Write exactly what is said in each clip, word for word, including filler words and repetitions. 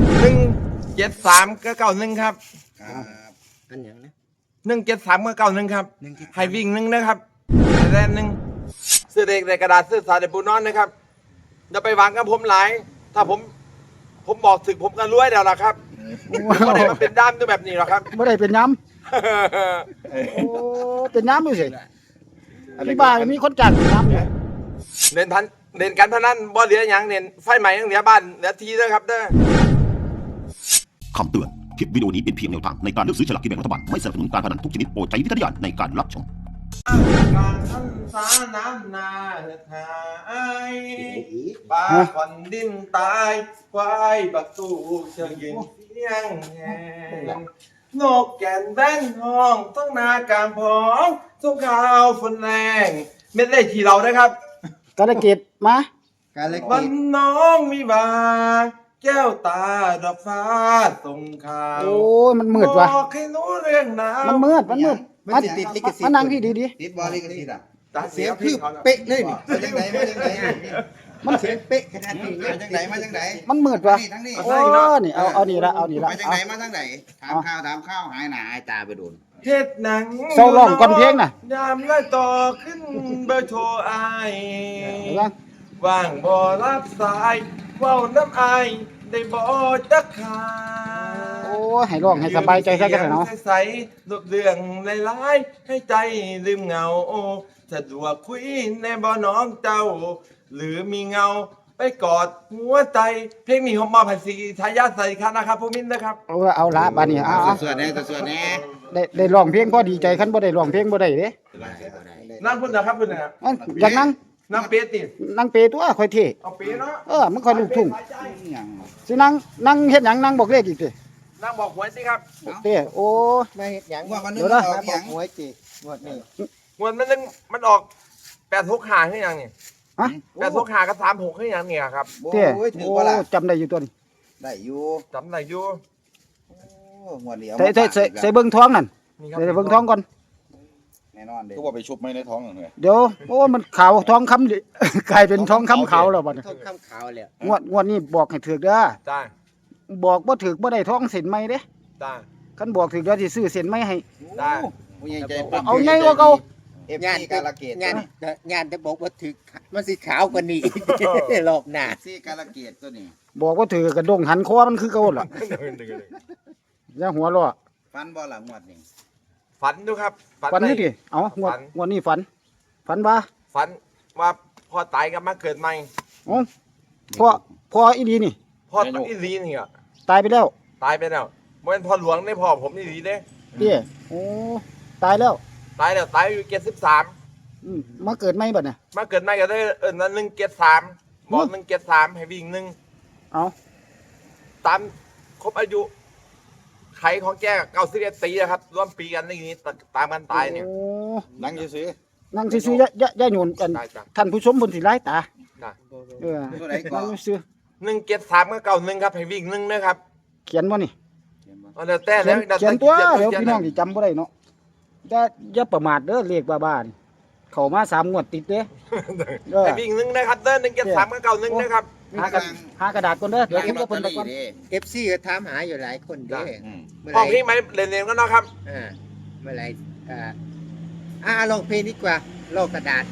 หนึ่งเจ็ดสามก็เก้าหนึ่งครับครับอันอย่างนะหนึ่งเจ็ดสามก็เก้าหนึ่งครับหนึ่งเจ็ดสามให้วิ่งหนึ่งนะครับแรนหนึ่งซื้อเด็กในกระดาษซื้อสาเดปูนอนนะครับอย่าไปหวังกับผมหลาย ถ้าผม ผมบอกถึงผมก็รวยแล้วล่ะครับไม่ได้มาเป็นด้ามด้วยแบบนี้หรอกครับบ่ได้เป็นย้ำโอ้เป็นย้ำอยู่สิที่บ้านมีคนจ้างเป็นย้ำอยู่เล่นพันเล่นการพนันบ่เหลืออย่างเน้นไฟใหม่ยังเหลือบ้านเหลือทีด้วยครับเด้อคำเตือน คลิปวิดีโอนี้เป็นเพียงแนวทางในการเลือกซื้อฉลากกินแบ่งรัฐบาล ไม่สนับสนุนการพนันทุกชนิดโปรดใช้วิจารณญาณในการรับชมการทันสาน้ำนาหายปลาขอนดินตายควายบักตูเชิงยิงเสียงแหงนกแก่นแบ้นห้องต้องนากามพองสงข่าวฝนแรงเม็ดเล่ทีเรานะครับกระเกตมาการเล็กวันน้องมีบาแก้วตาดอกฟ้าส่งข่าวโอ้ยมันมืดว่ะบอกให้รู้เรื่องหนาวมันมืดมันมืดมันมาติดติดลิขสิทธิ์มานั่งพี่ดีติดบอลิขสิทธิ์อ่ะตาเสีเสียยงพี่คือเขาเป๊ะเลยนี่มาจังไหนมาจังไหนๆมันเสียงเป๊ะขนาดนี้มาจังไหนมาจังไหนมันมืดว่ะทั้งนี้โอ้นี่เอาเอานี่ละเอานี่ละมาจังเอาไหนมาจังไหนถามข้าวถามข้าวหายหนาหายตาไปโดนเฮ็ดหนังเศร้าร้องก่อนเพลงน่ะยามไล่ต่อขึ้นเบอร์โทรอายเห็นปะว่างบ่รับสายเว้าน้ำอายได้บ่จักขาโอ้ยให้ร้องให้สบายใจซะกันเนาะใสๆรูปเรื่องหลายๆให้ใจลืมเหงาสะดวกคุยในบ่น้องเจ้า หรือมีเงาไปกอดหัวใจเพลงนี้ผมมาภาษีทายาทใส่คันนะครับผู้มินนะครับเอาเอาละบาดนี้เอาเอาส่วนแน่ส่วนแน่ได้ได้ร้องเพลงพอดีใจคันบ่ได้ร้องเพลงบ่ได้เด้นั่งพุ่นนะครับพุ่นนะครับอันอยากนั่งนั่งเปียตินั่งเปตัวค่อยเท่เอาเปียเนาะเออมันค่อยลูกทุ่งอย่างสินั่งนั่งเฮ็ดหยังนั่งบอกเลขอีกตินั่งบอกหวยสิครับเต้โอ้มาเห็ดหยังว่าวันนึงเดี๋ยวนะออกอย่างหวยจีหวดนี่งวดมันนึงมันออกแปดหกหาขึ้นยังนี่ฮะแปดหกหากับสามหกขึ้นยังเนี่ยครับเต้โอ้ยถือโอ้ว่าล่ะจำได้อยู่ตัวนี้ได้อยู่จำได้อยู่โอ้งวดเดียวใส่ใส่ใส่ใส่เบิ่งท้องนั่นนี่ครัใส่เบิ่งท้องก่อนแน่นอนเด้ก็ว่าไปชุบไม่ในท้องเลยเดี๋ยวโอ้มันขาวท้องคำดิ กลายเป็นท้องคำขาวแล้วบัดนี้ทองคำขาวแล้วงวดงวดนี้บอกให้ถูกเด้อจ้าบอกบ่ถูกบ่ได้ท้องเส้นไหมเด้จ้าคันบอกถูกเดี๋ยวสิซื้อเส้นไหมให้ได้ผู้ใหญ่ใจเอาไงกว่าเก่าเอฟซีการะเกดงานงานจะบอกว่าถึกมันสีขาวกว่านี้ รอบหน้าซีการะเกดตัวนี้บอกว่าถือกระดงหันคอมันคือเก่าล่ะอย่าหัวเราะฟันบ่หลังงวดนี่ฝันดูครับฝันได้นี่ดิเอ้างวดฝันงวดนี้ฝัน ฝันว่าฝันว่าพ่อตายกับมาเกิดใหม่เอ้าพ่อพ่ออีดีนี่พ่ออีหลีนี่อ่ะตายไปแล้วตายไปแล้วเมื่อพ่อหลวงได้พ่อผมอีหลีเด้เด้โอ้ตายแล้วตายแล้วตายอยู่เจ็ดสิบสามอืมมาเกิดใหม่บัดเนี่ยมาเกิดใหม่ก็ได้เอิญนั้นหนึ่งเจ็ดสามบอกหนึ่งเจ็ดสามให้วิ่งหนึ่งเอาตามครบอายุไขของแกเก้าสิบเอ็ดปีนะครับร่วมปีกันในนี้ตามกันตายเนี่ยโอ้นั่งซื้อนั่งซื่อๆอย่าอย่าอย่าโยนกันได้จ้ะท่านผู้ชมบนสิร้ายตาได้เออตัวไหนก่อนั่นงซื่อหนึ่งเจ็ดสามก็เก้าหนึ่งครับให้วิ่งหนึ่งนะครับเขียนบ่นี่เอาเดี๋ยวแต่เขีแล้ยนเขียนตัวขีเดี๋ยวขีพี่น้องสิจำบ่ได้เนาะอย่าอย่าประมาทเด้อเลขบ้าๆนี่เข้ามาสามงวดติดเด้อเออให้วิ่งหนึ่งนะครับเด้อหนึ่งเจ็ดสามก็เก้าหนึ่งนะครับหากระหากระดาษก่อนเด้อเดี๋ยวคุยกับเพิ่นลก่อนเด้เอฟซีก็ถามหาอยู่หลายคนเด้อืมเมื่อห้องไหพี่ร่ไหมเรียนๆก็เนาะครับอ่าเมื่อไหร่อ่าอ่าลองเพลงดีกว่าโลกกระดาษ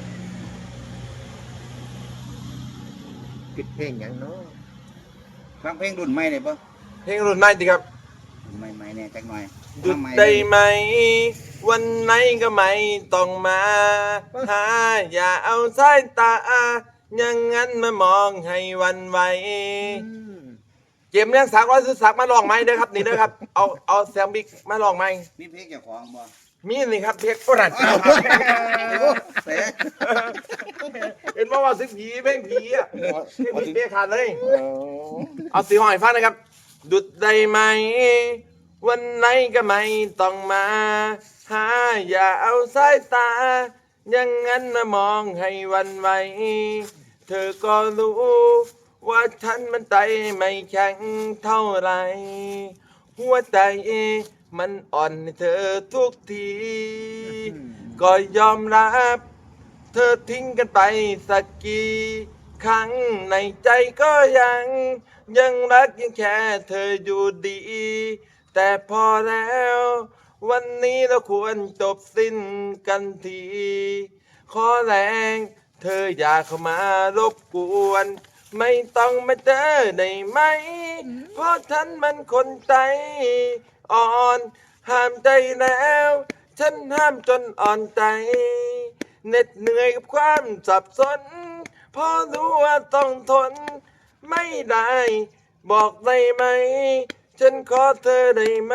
ปิดเพลงอย่างเนาะฟังเพลงรุ่นใหม่ได้ปะเพลงรุ่นใหม่ดีครับใหม่ๆเนี่ยจักหน่อยหยุดได้ไหม วันไหนก็ไม่ต้องมาหาอย่าเอาสายตาอย่างนั้นมามองให้หวันไหวอืมเกมเลี้ยงสักร้อยซื้อสักมาลองไหมเด้อครับนี่เด้อครับเอาเอาแซมบิ๊กมาลองไหมมีเพลงเจ้าของบ่มีนี่ครับเพลงโอ้รัดเตะเห็นว่าว่าสิผีเพลงผีอ่ะเพลงผีเปี้ยขาดเลย เอาสีหอยฟังนะครับดุดได้ไหม วันไหนก็ไม่ต้องมาหาอย่าเอาสายตาอย่างนั้นมามองให้หวันไหวเธอก็รู้ว่าฉันมันใจไม่แข็งเท่าไหรหัวใจมันอ่อนให้เธอทุกที ก็ยอมรับ เธอทิ้งกันไปสักกี่ข้างในใจก็ยัง ยังรักยังแค่เธออยู่ดี แต่พอแล้ว วันนี้เราควรจบสิ้นกันที ขอแรงเธออย่าเข้ามารบกวน ไม่ต้องมาเจอได้ไหม เพราะฉันมันคนใจอ่อน ห้ามใจแล้ว ฉันห้ามจนอ่อนใจเหน็ดเหนื่อยกับความสับสนเพราะรู้ว่าต้องทนไม่ได้ บอกได้ไหม ฉันขอเธอได้ไหม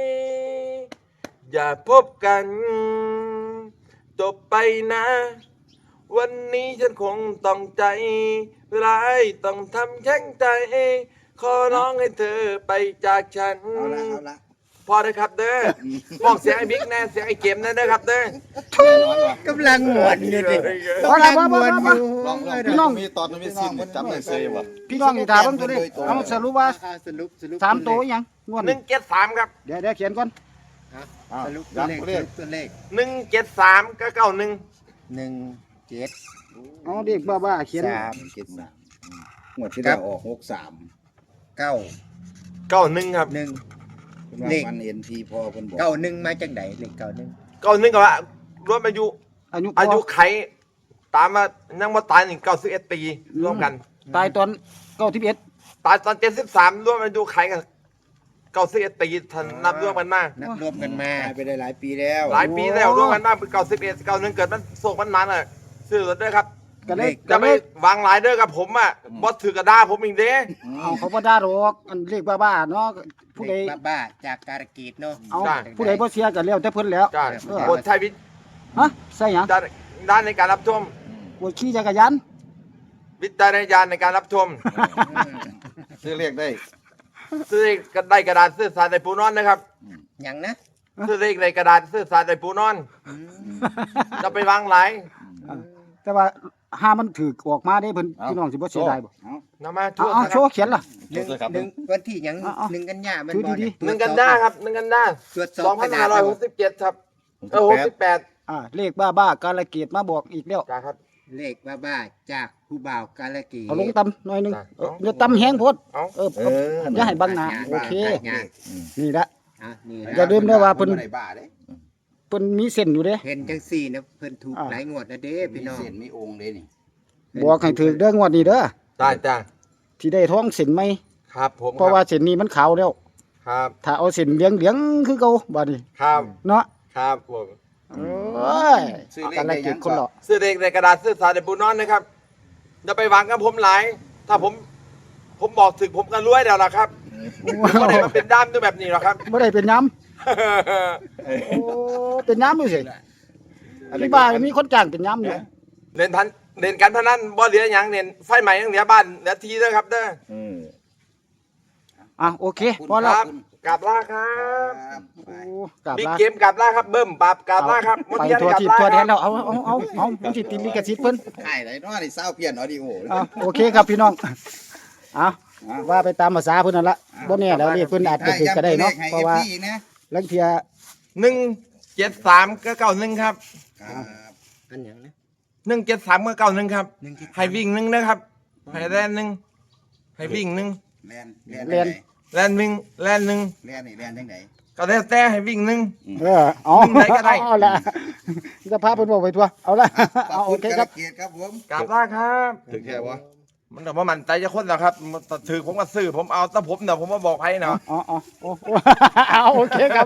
อย่าพบกันจบไปนะ วันนี้ฉันคงต้องใจร้ายต้องทำแข็งใจ ขอร้องให้เธอไปจากฉันเอาละเอาละพอเลยครับเด้อบอกเสียงไอ้บิ๊กแน่เสียงไอ้เกมแน่เด้อครับเด้อกำลังหมวนอยู่ดิพอแล้วกำลังหมวนอยู่ลองลองพี่น้องมีตอนมีซีนจำได้เซยวะพี่น้องนี่ถามเบิ่งตัวเลขเอาสรุปว่าอ่สรุปสรุปสามตัวอีหยังงวดหนึ่นี้งเจ็ดสามครับเดี๋ยวเดี๋ยวเขียนก่อนอ้าวสรุปตัวเลขย้ำตัวเลขสรุปตัวเลขหนึ่งเจ็ดสามก็เก้าหนึ่งหนึ่งเจ็ดเอาเด็กบ้าๆเขียนสามเจ็ดสามงวดที่แล้วออกหกสามเก้าเก้าหนึ่งครับหนึ่งเลเลขขมันเอ็นทีพอเพิ่นบอกเก้าหนึ่งมาจากไหนเลขเก้าหนึ่งเก้าหนึ่งก็ว่ารวมอายุอายุอายุไขตามมายังมาตายหนึ่งเก้าสิบเอ็ดปีร่วมกันตายตอนเก้าสิบเอ็ดตายตอนเจ็ดสิบสามร่วมอายุไขกันเก้าสิบเอ็ดปีทันนับร่วมกันมานับรวมกันมาตายไปได้หลายปีแล้วหลายปีแล้วร่วมกันมาเป็นเก้าสิบเอ็ดเก้าหนึ่งเกิดมันโศกมันมันอ่ะซื้อรถด้วยครับก็เลยจะก็เลไม่ยวางหลายเด้อกับผมอ่ะบอสถือกระดาผมอีกเด้เอาเขาบ่ด่าหรอกอันเลขบ้าๆเนาะผู้เลใดขบ้าๆจากการกีดเนาะเอาผู้ใดบ่เสียก็แล้วแต่เพิ่นแล้วจ้าเออบทใช้วิจฮะใส่หยังด้านด้านในการรับชมปวดขี่จักรยานวิจารณญาณในการรับชมซื้อเลขได้ซื้อเลขก็ได้กระดาษซื้อสารในปูนอนนะครับหยังนะซื้อเลขในกระดาษซื้อสารในปูนอน จะไปวางหลายแต่ว่าหามันถือออกมาได้เพิ่นพี่น้องสิบ่เสียดายบ่นำมาเอาช่วยเอานะคโชรับว์เขียนล่ะหนึ่งโทษครับหนึ่งวันที่หยังเอาเอาหนึ่งกันยามันถือบ่ดีเยหนึ่งกันด้าครับหนึ่งกันด้าตรวจสสออบ งพันห้าร้อยหกสิบเจ็ดครับเออหกสิบแปดอ่าเลขบ้าๆกาลเกตมาบอกอีกแล้วจ้าครับเลขบ้าๆจากผู้บ่าวกาลกีดเอาลงตำหน่อยหนึงจ้ะเอออย่าตำแห้งโพดเอาเออเอาอย่าให้บังหน้าโอเคอ่ะนี่ละอ่ะนี่อย่าลืมนะว่าเพิ่นบ่ได้บ้าเด้เพิ่นมีเส้นอยู่เด้เห็นจังสี่นะเพิ่นถูกอ่าหลายงวดนะเด้มีพี่น้องเส้นมีองค์เด้นี่บอกให้ถือเด้องวดนี้เด้อจ้าจ้าที่ได้ท้องเส้นไหมครับผมเพราะว่าเส้นนี้มันขาวแล้วครับถ้าเอาเส้นเหลืองๆคือเก่าบัดนี้ครับเนาะครับผมโอ้ยซื้อเลขกาลได้เกยัตงคนละซื้อเลขในกระดาษซื้อสารในปูนอนนะครับจะไปวางกับผมหลาย ถ้าผม ผมบอกถึงผมก็รวยแล้วล่ะครับไม่ได้มาเป็นด้ามด้วยแบบนี้หรอกครับบ่ได้เป็นย้ำโอ้เป็นย้ำอยู่สิที่บ้านมีคนจ้างเป็นย้ำอยู่เล่นพันเล่นการพนันบ่เหลือหยังเล่นไฟใหม่ยังเหลือบ้านเหลือทีเด้อครับเด้ออืมอ่ะโอเคขอบคุณพอคแล้วรับกลับล่าครัครับ บไปโอ้กลับบิ๊กลาเกมกลับล่าครับเบิ้มปรับกลับล่าครับไปเทียนทัวกลับทิพล่าทัวแดครันบแล้วเอาเอาเอาเอามันสิติดลิขสิทธิ์เพิ่นขายได้เนาะนี่เศร้าเปลี่ยนออดิโอเอาโอเคครับพี่น้องเอาว่าไปตามภาษาเพิ่นนั่นละบ่แน่แล้วเรียกเพิ่นอาจจะถือก็ได้เนาะเพราะว่าให้ เอฟซีนะลังเทียหนึ่งเจ็ดสามก็เก้าหนึ่งครับครับอันหยังนะหนึ่งเจ็ดสามก็เก้าหนึ่งครับหนึ่งเจ็ดสามให้วิ่งหนึ่งนะครับให้แลนหนึ่งให้วิ่งหนึ่งแลนแลนแลนวิ่งแลนหนึ่งแลนนี่แลนจังไดก็แล้วแต่ให้วิ่งหนึ่งเออเอาได้ก็ได้เอาละจะพาเพิ่นบอกไปทัวเอาละเอาโอเคครับเกียรติครับผมกลับล่าครับถึงแค่ว่ามันแต่ว่ามันใจจะคนแล้วครับมันถือผมก็ซื้อผมเอาแต่ผมเดี๋ยวผมมาบอกให้เนาะอ๋ออ๋อโอ้เอาโอเคครับ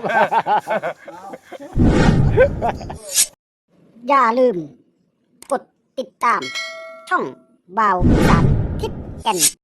อย่าลืม กดติดตาม ช่องบ่าวสารทิศแก่น